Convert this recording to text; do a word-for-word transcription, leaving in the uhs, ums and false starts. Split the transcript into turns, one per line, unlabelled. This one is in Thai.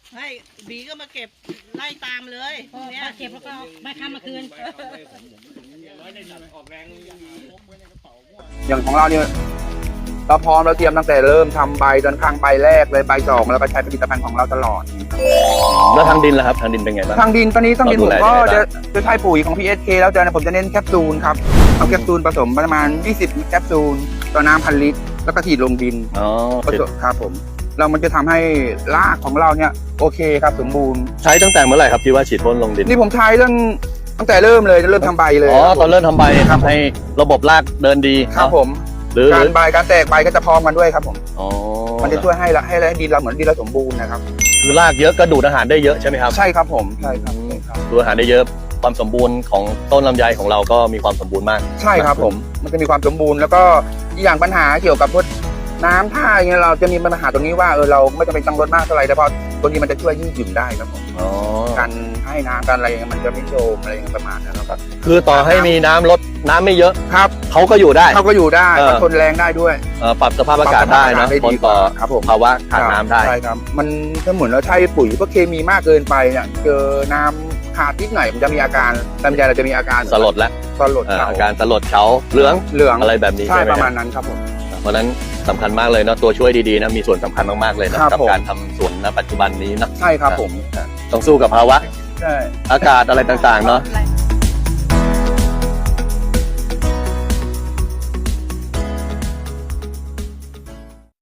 ให้บีก็มาเก็บไล่ตามเลยเนี่ย
มาเก็บแล้วก็มาค้ำมาคืน
อย่างของเราเนี่ยเราพร้อมเราเตรียมตั้งแต่เริ่มทำใบจนครั้งใบแรกเลยใบสองแล้วก็ใช้ผลิตภัณฑ์ของเราตลอด
แล้วทางดินล่ะครับทางดินเป็นไงบ้าง
ทางดินตอนนี้ทางดิน
เราดู
ผม
แล
ก็
ยังไงบ้าง
จะจะใช้ปุ๋ยของ พี เอส เค แล้วจะผมจะเน้นแคปซูลครับเอาแคปซูลผสมประมาณยี่สิบแคปซูลต่อน้ำพันลิตรแล้วก็ฉีดลงดิน
อ๋อ
ผสมครับผมเรามันจะทำให้รากของเราเนี่ยโอเคครับสมบูรณ์
ใช้ตั้งแต่เมื่อไหร่ครับที่ว่าฉีดพ่นลงดิน
นี่ผมใช้ตั้งตั้งแต่เริ่มเลยเริ่มทำใบเลย
อ๋อตอนเริ่มทำใบเนี่ยทำให้ระบบรากเดินดี
ครับผม
หรือห
กา
รื
ร
อ
ใบการแตกใบก็จะพร้อมกันด้วยครับผม
อ๋อ
มันจะช่วยให้ละให้ให้ดินเราเหมือนดินเราสมบูรณ์นะครับ
คือรากเยอะก็ดูดอาหารได้เยอะใช่ไหมครับ
ใช่ครับผมใช่ครับใช่ครับ
ดูดอาหารได้เยอะความสมบูรณ์ของต้นลำไยของเราก็มีความสมบูรณ์มาก
ใช่ครับผมมันจะมีความสมบูรณ์แล้วก็อีกอย่างปัญหาเกี่ยวกับพวกน้ำท่าอย่างเงี้ยเราจะมีปัญหาตรงนี้ว่าเออเราไม่จำเป็นต้องลดมากเท่าไหร่แต่พอตัวนี้มันจะช่วยยืดหยุ่นได้ครับผม
อ๋อ
การให้น้ำการอะไรอย่างเงี้ยมันจะไม่โจมอะไรอย่างเงี้ยประมาณนั้นครับ
คือต่อให้มีน้ำลดน้ำไม่เยอะ
ครับ
เขาก็อยู่ได้
เขาก็อยู่ได้
เออ
ทนแรงได้ด้วย
เอ่อปรับสภาพอากาศได้นะ
ปรับสภาพอากาศได้
ทนต่อ
ดีกว่าครับผม
ภาวะขาดน้ำได้
ใช่ครับมันถ้าเหมือนเราใช้ปุ๋ยพวกเคมีมากเกินไปเนี่ยเจอน้ำขาดนิดหน่อยมันจะมีอาการลำไยเราจะมีอาการ
สลดแล้ว
สลด
เอ่อ
เข่า
อาการสลดเฉาเหลือง
เหลือง
อะไรแบบนี้
ใช่
ใช่ไหม
ประ
ค
มา
รั
ณ
บ
นั้นครับผม
เพราะฉะนั้นสำคัญมากเลยนะตัวช่วยดีๆนะมีส่วนสำคัญมากๆเลยนะครับ กับ
ผม
การทำสวนณปัจจุบันนี้นะ
ใช่ครับผม
ต้องสู้กับภาวะ
ใช่
อากาศอะไรต่างๆเนาะ
แรง